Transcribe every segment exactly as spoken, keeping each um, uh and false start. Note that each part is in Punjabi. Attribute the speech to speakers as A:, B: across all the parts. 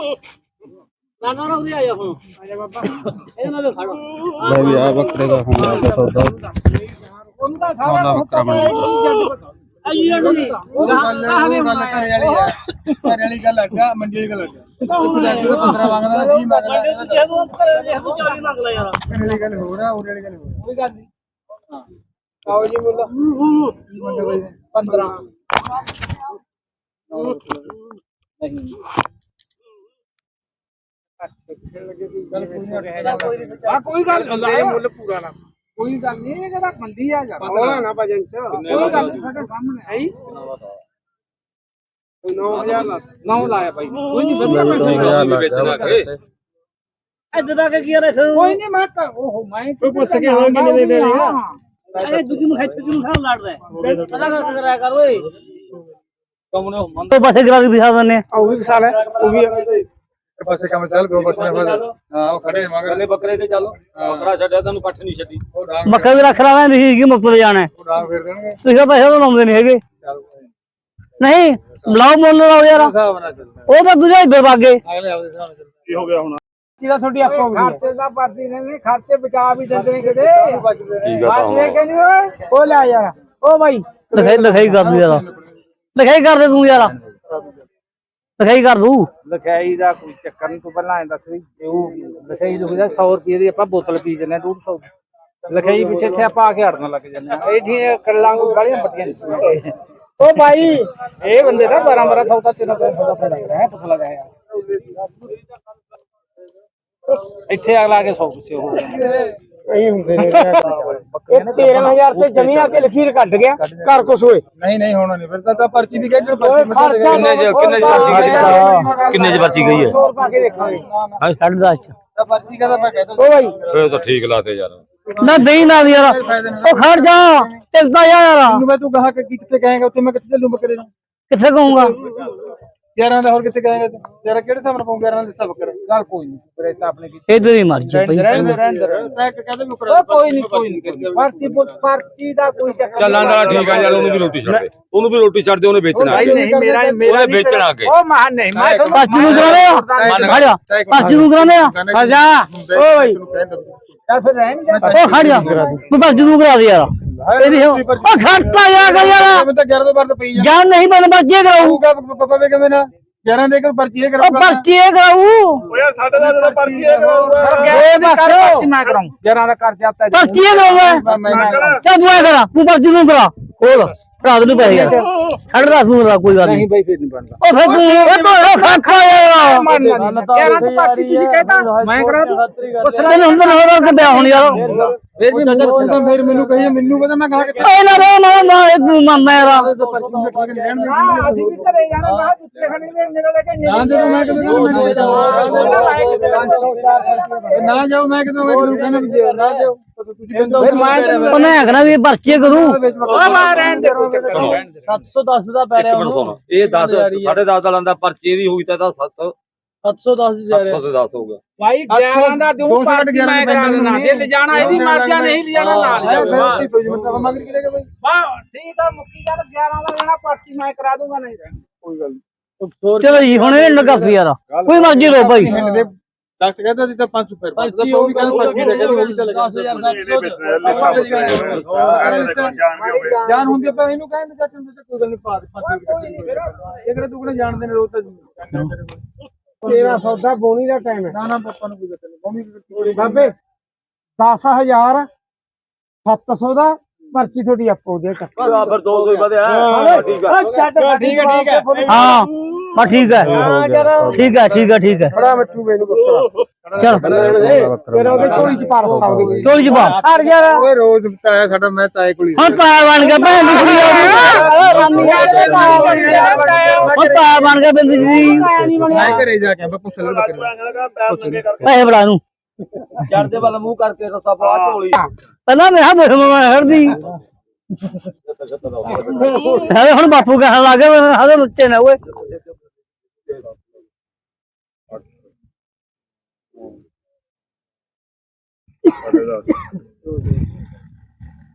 A: ਨਾ ਨਾ ਉਰੇ ਆ ਜਾ ਹੁਣ ਆ ਜਾ ਬਾਬਾ ਇਹਨਾਂ ਦੇ ਖੜੋ
B: ਲੈ ਵੀ ਆ ਬੱਕਰੇ ਦਾ ਹੁਣ ਆ ਕੇ ਸੌਦਾ
A: ਉਹਦਾ
B: ਸੌਦਾ ਬੱਕਰਾ ਬਣ
A: ਆਈਆਂ ਨੂੰ ਨਹੀਂ
C: ਉਹ ਗੱਲ ਉਹ ਗੱਲ ਘਰੇ ਵਾਲੀ ਆ ਘਰੇ ਵਾਲੀ ਗੱਲ ਅੱਡਾ ਮੰਡੀ ਵਾਲੀ ਗੱਲ ਅੱਡਾ ਉਹ ਦੱਸ ਪੰਦਰਾਂ ਮੰਗਦਾ ਕੀ ਮੰਗਦਾ
A: ਜੇ ਤੂੰ ਜੇ ਤੂੰ ਚਾਲੀ ਮੰਗ ਲੈ ਯਾਰ
C: ਘਰੇ ਵਾਲੀ ਗੱਲ ਹੋ ਰਿਹਾ ਉਹਦੇ ਵਾਲੀ ਗੱਲ ਹੋ
A: ਕੋਈ ਗੱਲ ਨਹੀਂ
C: ਹਾਂ ਆਓ ਜੀ ਮੁੱਲਾ ਕੀ ਮੰਗਦਾ ਬਾਈ
A: ਪੰਦਰਾਂ
C: ਨਹੀਂ
A: ਆ ਕੋਈ ਗੱਲ
C: ਤੇਰੇ ਮੁੱਲ ਪੂਰਾ ਨਾ
A: ਕੋਈ ਗੱਲ ਨਹੀਂ ਇਹ ਜਿਹੜਾ ਮੰਦੀ ਆ ਜਾ
C: ਹੋਲਾ ਨਾ ਭਜਨ ਚ
A: ਕੋਈ ਗੱਲ ਨਹੀਂ ਸਾਡੇ ਸਾਹਮਣੇ
C: ਹੈ ਨੌ ਹਜ਼ਾਰ ਲਾ
A: ਨੌ ਲਾਇਆ ਭਾਈ ਕੋਈ ਨਹੀਂ ਵਧੀਆ ਪੈਸੇ
B: ਵੇਚਣਾ ਕੇ
A: ਇੱਦਾਂ ਦਾ ਕੀ ਯਾਰ ਕੋਈ ਨਹੀਂ ਮੈਂ ਉਹ ਮੈਂ
C: ਤੂੰ ਪੁੱਛ ਕੇ ਹਾਂ ਕਿੰਨੇ ਦੇ ਦੇ ਦੇਗਾ
A: ਅਰੇ ਦੂਜੀ ਨੂੰ ਖੱਚ ਨੂੰ ਖਾਣ ਲੜ ਰਿਹਾ ਪਤਾ ਕਰ ਕਰਿਆ ਕਰ ਓਏ ਕਮਨੇ ਮੰਨ
D: तो बस करा के दिखा दने
C: ਉਹ ਵੀ ਸਾਲ ਹੈ ਉਹ ਵੀ ਪਾਸੇ ਕੰਮ ਚੱਲ ਗੋ ਬਸ ਨੇ ਹਾਂ ਉਹ ਖੜੇ ਮਗਰ
E: ਬੱਕਰੇ ਤੇ ਚੱਲ ਬੱਕਰਾ ਛੱਡਿਆ ਤੈਨੂੰ ਪੱਠ ਨਹੀਂ ਛੱਡੀ
C: ਉਹ ਡਾਂਗ
D: मक्का भी रख रहा है नहीं कि मुफ्त ले जाना है
C: ਉਹ ਡਾਂਗ ਫੇਰ ਦੇਣਗੇ
D: तो पैसे तो लाਉਂਦੇ नहीं है नहीं बुलाओ मोल लाओ यार
C: ਹਿਸਾਬ ਨਾਲ ਚੱਲਦਾ
D: वो तो दूजा इधर भागे
C: ਅਗਲੇ ਆਪਦੇ ਹਿਸਾਬ ਨਾਲ ਚੱਲਦਾ
B: ਕੀ ਹੋ ਗਿਆ ਹੁਣ
C: ਜਿਹਦਾ ਤੁਹਾਡੀ ਆਪੋ ਵੀ
A: ਖਾਤੇ ਦਾ ਪਰਦੀ ਨੇ ਖਾਤੇ ਬਚਾ ਵੀ ਦਿੰਦੇ ਨੇ ਕਿਤੇ
B: ਠੀਕ ਆ
A: ਬਾਤ ਇਹ ਕਹਿੰਦੀ ਓਏ
C: ਉਹ ਲੈ ਯਾਰ ਉਹ ਬਾਈ
D: लिखाई लिखाई कर दू यार लिखाई कर दे तू यार लिखाई कर दू
A: ਲਿਖਾਈ ਦਾ ਕੋਈ ਚੱਕਰ ਨਹੀਂ ਤੂੰ ਪਹਿਲਾਂ ਐਂ ਦੱਸ ਵੀ ਉਹ ਲਿਖਾਈ ਲਿਖਦਾ ਸੌ ਰੁਪਏ ਦੀ ਆਪਾਂ ਬੋਤਲ ਪੀ ਜੰਨੇ ਡੇਢ ਸੌ ਲਿਖਾਈ ਪਿੱਛੇ ਇੱਥੇ ਆਪਾਂ ਆ ਕੇ ਹੜਨ ਲੱਗ ਜੰਨੇ ਇਹ ਢੀਆਂ ਕੱਲਾਂ ਕੋ ਗਾਲੀਆਂ ਪੱਟੀਆਂ ਉਹ ਭਾਈ ਇਹ ਬੰਦੇ ਦਾ ਬਾਰਾਂ ਬਾਰਾਂ ਸੌ ਦਾ ਤਿੰਨ ਸੌ ਦਾ ਫਾਇਦਾ ਹੈ ਪੁੱਛ ਲਗਾ ਯਾਰ ਇੱਥੇ ਅਗਲਾ ਆ ਕੇ ਸੌ ਪੁੱਛੇ ਉਹ
C: ਇਹੀ ਹੁੰਦੇ ਨੇ ਇਹ ਤੇਰਾਂ ਹਜ਼ਾਰ ਤੇ ਜਮੀ ਆ ਕੇ ਲਖੀਰ ਕੱਢ ਗਿਆ ਘਰ ਕੁਛ ਹੋਏ ਨਹੀਂ ਨਹੀਂ ਹੋਣਾ ਨਹੀਂ ਫਿਰ ਤਾਂ ਪਰਚੀ ਵੀ ਕਹਿ ਪਰਚੀ ਮਤਲਬ
E: ਕਿੰਨੇ ਚ ਕਿੰਨੇ ਚ ਪਰਚੀ ਗਈ ਕਿੰਨੇ ਚ ਪਰਚੀ ਗਈ ਹੈ
C: ਸੌ ਪਾ ਕੇ ਦੇਖਾਂਗੇ
D: साढ़े दस
C: ਤਾਂ ਪਰਚੀ ਕਹਦਾ ਮੈਂ ਕਹਿ ਤਾ ਉਹ ਭਾਈ
E: ਇਹ ਤਾਂ ਠੀਕ ਲਾਤੇ ਯਾਰ
D: ना दही ना यार ओ खड़ जा चलता यार
C: ਤੈਨੂੰ ਮੈਂ ਤੂੰ ਕਹਾ ਕਿ ਕਿੱਥੇ ਕਹੇਗਾ ਉੱਥੇ ਮੈਂ ਕਿੱਥੇ ਚੱਲੂ ਬੱਕਰੇ ਨੂੰ
D: किथे कहूंगा
C: ਗਿਆਰਾਂ ਦਾ ਹੋਰ ਕਿੱਥੇ ਕਹੇਗਾ ਤੂੰ ਤੇਰਾ ਕਿਹੜੇ ਹਿਸਾਬ ਨਾਲ ਪਾਉਂ ਗਿਆਰਾਂ ਦਾ ਹਿਸਾਬ ਕਰ
A: ਗੱਲ ਕੋਈ ਨਹੀਂ ਫਿਰ ਤਾਂ ਆਪਣੇ ਕੀ
D: इधर ही मर जा
A: ਰਹਿੰਦੇ ਰਹਿੰਦੇ
C: ਮੈਂ ਕਹਦਾ ਵੀ
A: ਉਹ ਕੋਈ ਨਹੀਂ ਕੋਈ ਨਹੀਂ ਪਰਚੀ ਪਰਚੀ ਦਾ ਕੋਈ ਚੱਕਰ
E: ਚੱਲਾਂ ਦਾ ਠੀਕ ਆ ਯਾਰ ਉਹਨੂੰ ਵੀ ਰੋਟੀ ਛੱਡ ਦੇ ਉਹਨੂੰ ਵੀ ਰੋਟੀ ਛੱਡ ਦੇ ਉਹਨੇ ਵੇਚਣਾ
A: ਭਾਈ ਨਹੀਂ ਮੇਰਾ ਮੇਰਾ
E: ਉਹਨੇ ਵੇਚਣਾ ਕੇ
A: ਉਹ ਮਾਨ ਨਹੀਂ ਮੈਂ ਤੁਹਾਨੂੰ
D: पाँच नू कराने खड़ जा पाँच नू कराने
C: ਖਜਾ ਓ ਭਾਈ
A: ਚੱਲ ਫਿਰ ਰਹਿਣ ਦੇ
D: ओ खड़ जा तू पाँच नू करा दे यार एदी ओ खड़ता यार कर यार
C: ਮੈਂ ਤਾਂ ਗਿਆਰਾਂ ਤੋਂ ਬਾਅਦ ਪਈ ਜਾ
D: जान नहीं बन बच्चे कराऊ
C: ਤੂੰ ਪਾਪਾ ਵੇ ਕਿਵੇਂ ਨਾ ਗਿਆਰਾਂ ਦੇ ਕੇ ਪਰਚੀ ਇਹ
D: ओ
C: ਕਰਾਉਂਗਾ
D: पर्ची कराऊ
B: ਓ ਯਾਰ ਸਾਡੇ ਨਾਲ ਜਦੋਂ ਪਰਚੀ ਇਹ ਕਰਾਊਗਾ
A: ਇਹ ਬਸ ਪਰਚੀ ਮੈਂ ਕਰਾਉਂ ਜਰਾਂ ਦਾ ਕਰ ਜਾਂਦਾ
D: पर्ची कराऊंगा
C: ਮੈਂ
D: क्या तू करा तू पर्ची नू करा खोल रात नू पै यार खड़ रहा तू कोई बात नहीं
A: ਬਈ ਫਿਰ ਨਹੀਂ ਬਣਦਾ
D: ओ फिर तू ओ तो ओ खा यार
A: ਜਰਾਂ ਦੀ ਪਰਚੀ ਤੁਸੀਂ ਕਹਿੰਦਾ ਮੈਂ ਕਰਾ ਦੂੰ
D: तेन अंदर हो रहा के हुन यार
C: ਫਿਰ ਵੀ ਨਜ਼ਰ ਤਾਂ ਫਿਰ ਮੈਨੂੰ ਕਹੀ ਮੈਨੂੰ ਪਤਾ ਮੈਂ ਕਹਾ ਕਿ
D: ए ना रे ना ना ए तू मानना यार
C: ਪਰਚੀ ਮੈਂ ਠੀਕ ਲੈਣ ਦੇ
A: ਹਾਂ ਅਸੀਂ ਵੀ ਘਰੇ ਜਾਣਾ ਮੈਂ ਜੁੱਤੇ ਖਣੀ ਦੇ ਮੇਰੇ ਲੈ ਕੇ
C: ਨਾ ਦੇ ਮੈਂ ਕਦੋਂ ਕਹਿੰਦਾ ਮੈਂ ਨਾ ਜਾਓ ਮੈਂ ਕਦੋਂ ਮੈਂ ਕਦੋਂ ਕਹਿੰਦਾ ਵੀ ਦਿਓ ਨਾ ਦਿਓ ਤੁਸੀਂ ਕਹਿੰਦਾ
A: ਫਿਰ ਮੈਂ
D: ਉਹਨੇ ਆਖਣਾ ਵੀ ਪਰਚੀ ਕਰੂ
A: ਉਹ ਮਾਰ ਰਹਿਣ ਦੇ ਕੋਈ ਚੱਕਰ ਨਹੀਂ
C: ਸੱਤ ਸੌ ਦਸ ਦਾ ਪੈ
E: ਇੱਕ ਮਿੰਟ ਸੁਣ ਇਹ ਦਸ ਸਾਢੇ ਦਸ ਦਾ ਲੰਦਾ ਪਰਚੀ ਦੀ ਹੋਈ ਤਾਂ ਇਹਦਾ ਸੱਤ
C: ਸੱਤ ਸੌ ਦਸ ਦੀ
E: ਸੱਤ ਸੌ ਤੇ ਦਸ ਹੋ ਗਿਆ
A: ਭਾਈ ਗਿਆਰਾਂ ਦਾ ਦੂੰ ਪਰਚੀ ਮੈਂ ਕਰਾ ਦੇਣਾ ਜੇ ਲਿਜਾਣਾ ਇਹਦੀ ਮਰਜ਼ੀ ਨਹੀਂ ਲਿਜਾਣਾ ਨਾਲ ਜਾਊਗਾ
C: ਮਗਰ ਕੀ ਲੱਗਾ ਬਾਈ
A: ਵਾਹ ਠੀਕ ਆ ਮੁੱਕੀ ਗੱਲ ਗਿਆਰਾਂ ਦਾ ਲੈਣਾ ਪਰਚੀ ਮੈਂ ਕਰਾ ਦੂੰਗਾ ਨਹੀਂ
C: ਕੋਈ ਗੱਲ
D: ਚਲੋ ਜੀ ਹੁਣ ਇਹ ਲੱਗਾ ਸੀ ਯਾਰ ਕੋਈ ਮਰਜ਼ੀ ਰੋ ਭਾਈ
C: ਦਸ ਕਹਿੰਦਾ ਸੀ ਤਾਂ ਪੰਜ ਸੌ ਫਿਰ ਪੰਜ ਉਹ ਵੀ ਕਹਿੰਦਾ ਪਰਚੀ ਦੇ ਕਹਿੰਦਾ ਉਹ ਵੀ ਤਾਂ ਦਸ ਹਜ਼ਾਰ ਸੱਤ ਸੌ ਜਾਨ ਹੁੰਦੀ ਪਈ ਇਹਨੂੰ ਕਹਿੰਦੇ ਚਾਚੇ ਨੂੰ ਕੋਈ ਗੱਲ ਨਹੀਂ ਪਾ ਦੇ ਪੰਜ ਇਹ ਕਿਹੜੇ ਤੂੰ ਕਿਹੜੇ ਜਾਣਦੇ ਨੇ ਰੋਜ਼ ਤਾਂ ਤੇਰਾ ਸੌਦਾ ਬੋਣੀ ਦਾ ਟਾਈਮ ਹੈ ਨਾ ਨਾ ਪਾਪਾ ਨੂੰ ਕੋਈ ਗੱਲ ਨਹੀਂ ਬੋਣੀ ਬਾਬੇ ਦਸ ਹਜ਼ਾਰ ਸੱਤ ਸੌ ਦਾ ਪਰਚੀ ਤੁਹਾਡੀ ਆਪੋ ਦੇ ਚੱਕ
E: ਫਿਰ ਦੋ ਸੌ ਹੀ ਵਧਿਆ ਠੀਕ ਆ
C: ਛੱਡ ਠੀਕ ਹੈ ਠੀਕ ਹੈ
D: ਹਾਂ ਹਾਂ ਠੀਕ ਹੈ ਠੀਕ ਹੈ ਠੀਕ ਹੈ ਠੀਕ ਹੈ
C: ਬੜਾ ਮਿੱਠੂ ਮੈਨੂੰ ਬੱਕਰਾ
D: ਚਲ
C: ਫਿਰ ਉਹਦੇ ਝੋਲੀ ਚ ਪਾ ਸਕਦੇ
D: ਚੋਲ ਜੀ ਬਾ
C: ਹਟ ਯਾਰ ਓਏ ਰੋਜ਼ ਤਾਇਆ ਸਾਡਾ ਮੈਂ ਤਾਏ ਕੋਲ
D: ਹੁਣ ਪਾਇਆ ਬਣ ਗਿਆ ਭੈਣ ਦੀ ਕੁੜੀ ਉਹ ਪਾਇਆ ਬਣ ਗਿਆ ਬਿੰਦ ਜੀ
C: ਮੈਂ ਘਰੇ ਜਾ ਕੇ ਪੁੱਛ ਲੈ ਬੱਕਰੇ
D: ਪੈਸੇ ਬੜਾ ਨੂੰ
E: ਚੜਦੇ ਵੱਲ ਮੂੰਹ ਕਰਕੇ ਰਸਾ ਪਾ ਝੋਲੀ
D: ਪਹਿਲਾਂ ਮੈਂ ਹਾਂ ਮੈਂ ਹਰਦੀ ਹਲੇ ਹੁਣ ਬਾਪੂ ਕਹਿਣ ਲੱਗ ਗਿਆ ਹਲੇ ਬੱਚੇ ਨੇ ਓਏ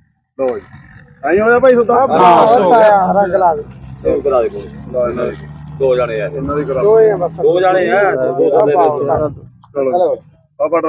B: ਲੋ ਆਈ ਹੋਇਆ ਭਾਈ ਸੁਤਾ
C: ਰੰਗ ਲਾ ਦੇ
E: ਕਰਾ ਦੇ ਕੋਈ ਦੋ ਜਣੇ ਆ
B: ਇਹਨਾਂ ਦੀ ਕਰਾ
C: ਦੋਏ ਆ ਬਸ
E: ਦੋ ਜਣੇ ਆ ਦੋ ਦੋ ਦੇ
B: ਚਲੋ ਆਪਾਂ